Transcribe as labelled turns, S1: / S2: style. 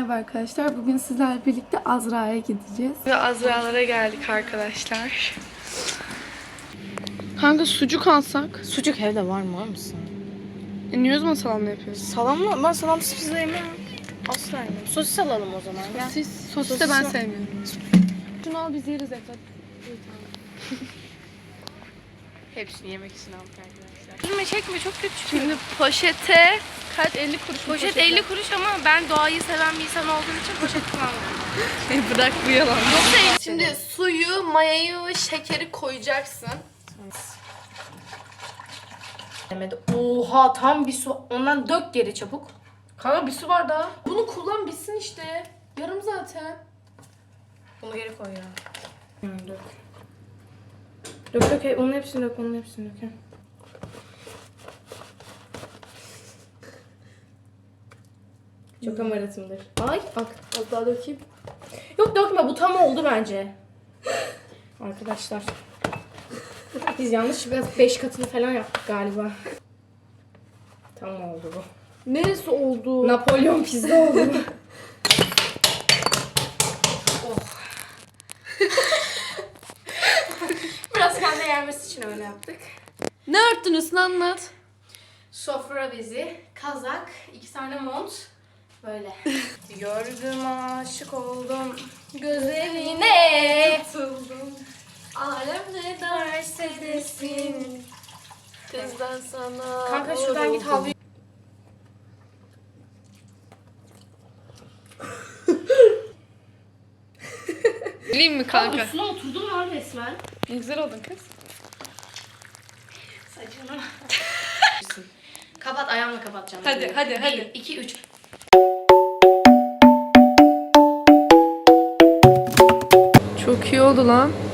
S1: Merhaba arkadaşlar. Bugün sizlerle birlikte Azra'ya gideceğiz. Ve Azra'lara geldik arkadaşlar. Kanka sucuk alsak.
S2: Sucuk evde var mı? Var mısın?
S1: Niye o zaman salamla yapıyoruz?
S2: Salamla? Ben salamsız pizza yemem. Asla yemem. Sosis alalım o zaman. Ya.
S1: Sosis de ben sevmiyorum. Şunu al biz yeriz Efrat.
S2: Hepsini yemek için aldık arkadaşlar.
S3: Çekme çok kötü.
S1: Şimdi poşete kaç 50 kuruş.
S3: Poşet 50 kuruş ama ben doğayı seven bir insan olduğum için poşet kullanmıyorum.
S1: Bırak bu yalan.
S3: Yoksa
S1: Şimdi suyu, mayayı ve şekeri koyacaksın.
S2: Demedi. Oha tam bir su. Ondan dök geri çabuk.
S1: Kanka bir su var daha. Bunu kullan bitsin işte. Yarım zaten.
S2: Bunu geri koy ya. Dök. Dök. Onun hepsini dök. Onun hepsini dök. Çok amaratımdır. Ay bak az daha dökeyim. Yok dökme bu tam oldu bence. Arkadaşlar. Biz yanlış biraz 5 katını falan yaptık galiba. Tam oldu bu.
S1: Neresi oldu?
S2: Napolyon pizza oldu. Biraz kendi yermesi için öyle yaptık.
S1: Ne örttünüz anlat.
S2: Sofra bezi, kazak, 2 tane mont. Böyle. Gördüm aşık oldum gözlerine.
S1: Tutuldum.
S2: Alem ne derse desin.
S1: Kızdan sana.
S2: Kanka şuradan git havlu.
S1: Bileyim mi kanka?
S2: Üstüne oturdum lan resmen.
S1: Ne güzel oldun kız.
S2: Saçını. Kapat ayağımla kapatacağım.
S1: Hadi, hadi, hadi.
S2: 1, 2, 3.
S1: Çok iyi oldu lan.